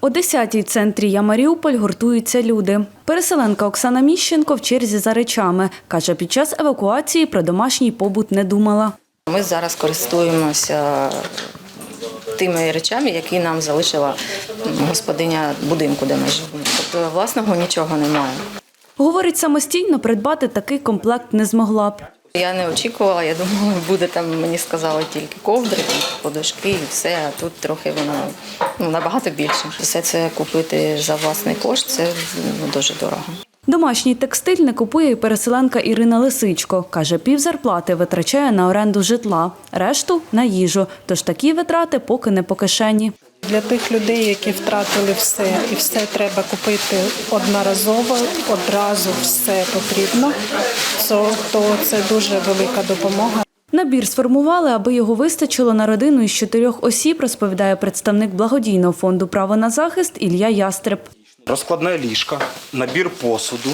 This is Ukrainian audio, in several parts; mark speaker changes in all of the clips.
Speaker 1: О 10-й в центрі «Я Маріуполь» гуртуються люди. Переселенка Оксана Міщенко в черзі за речами. Каже, під час евакуації про домашній побут не думала.
Speaker 2: Ми зараз користуємося тими речами, які нам залишила господиня будинку, де ми живемо. Тобто власного нічого немає.
Speaker 1: Говорить, самостійно придбати такий комплект не змогла б.
Speaker 2: Я не очікувала, я думала, буде там, мені сказали, тільки ковдри, подушки і все, а тут трохи воно набагато більше. Все це купити за власний кошт – це дуже дорого.
Speaker 1: Домашній текстиль не купує і переселенка Ірина Лисичко. Каже, півзарплати витрачає на оренду житла, решту – на їжу. Тож такі витрати поки не по кишені.
Speaker 3: Для тих людей, які втратили все, і все треба купити одноразово, одразу все потрібно, то це дуже велика допомога.
Speaker 1: Набір сформували, аби його вистачило на родину із 4 осіб, розповідає представник благодійного фонду «Право на захист» Ілля Ястреб.
Speaker 4: Розкладне ліжко, набір посуду,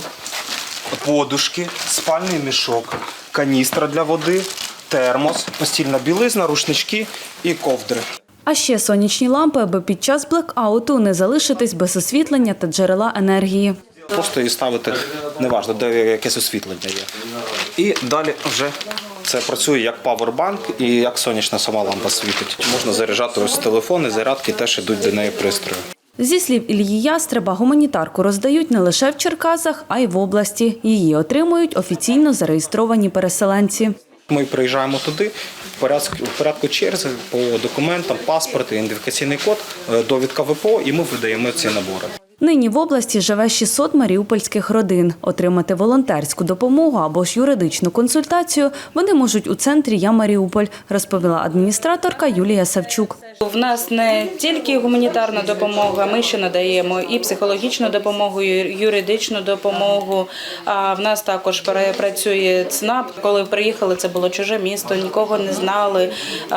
Speaker 4: подушки, спальний мішок, каністра для води, термос, постільна білизна, рушнички і ковдри.
Speaker 1: А ще сонячні лампи, аби під час блекауту не залишитись без освітлення та джерела енергії.
Speaker 4: Просто її ставити, неважливо, де якесь освітлення є. І далі вже це працює як павербанк і як сонячна сама лампа світить. Можна заряджати ось телефони, зарядки теж йдуть до неї пристрої.
Speaker 1: Зі слів Іллі Ястреба, гуманітарку роздають не лише в Черкасах, а й в області. Її отримують офіційно зареєстровані переселенці.
Speaker 4: Ми приїжджаємо туди в порядку черги по документам, паспорт, ідентифікаційний код, довідка ВПО, і ми видаємо ці набори.
Speaker 1: Нині в області живе 600 маріупольських родин. Отримати волонтерську допомогу або ж юридичну консультацію вони можуть у центрі «Я Маріуполь», розповіла адміністраторка Юлія Савчук.
Speaker 5: В нас не тільки гуманітарна допомога, ми ще надаємо і психологічну допомогу, і юридичну допомогу. А в нас також працює ЦНАП. Коли приїхали, це було чуже місто, нікого не знали.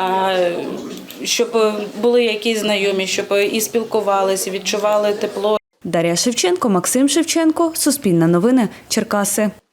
Speaker 5: Щоб були якісь знайомі, щоб і спілкувалися, відчували тепло.
Speaker 1: Дар'я Шевченко, Максим Шевченко, Суспільне новини, Черкаси.